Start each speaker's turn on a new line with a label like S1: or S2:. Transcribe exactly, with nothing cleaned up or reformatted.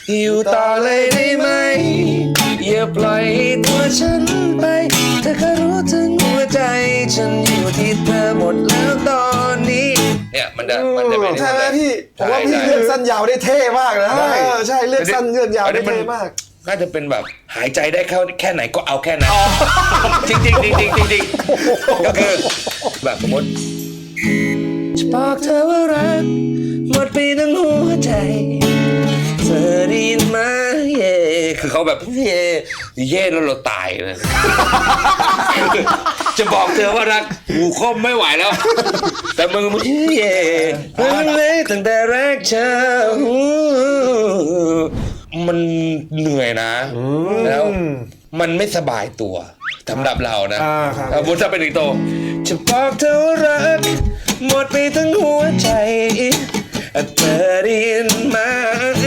S1: อยู่ต่อเลยได้ไหมอย่าปล่อยตัวฉันไปเธอก็รู้ถึงหัวใจฉันอยู่ที่เธอหมดแล้วตอนนี้เนี่ยมันจะมันจะเป็น
S2: ใช่ไหมพี่ผมว่าพี่เลือกสั้นยาวได้เท่มากนะเออใช่เลือกสั้นเลือกยาวได้เท่มาก
S1: น่าจะเป็นแบบหายใจได้เข้าแค่ไหนก็เอาแค่นั้นจริงจริงจริงจริงจริงจริงก็คือแบบสมมติจะบอกเธอว่ารักหมดไปทั้งหัวใจเธอได้ยินไหมเย่คือเขาแบบเย่เย่แล้วเราตายเลยจะบอกเธอว่ารักหูคมไม่ไหวแล้วแต่มึงมันเย่เลยตั้งแต่แรกเจอมันเหนื่อยนะแล้วมันไม่สบายตัวสำหรับเรานะบุญจะเป็นอีกโตจะบอกเธอว่ารักหมดไปทั้งหัวใจเธอได้ยินไหม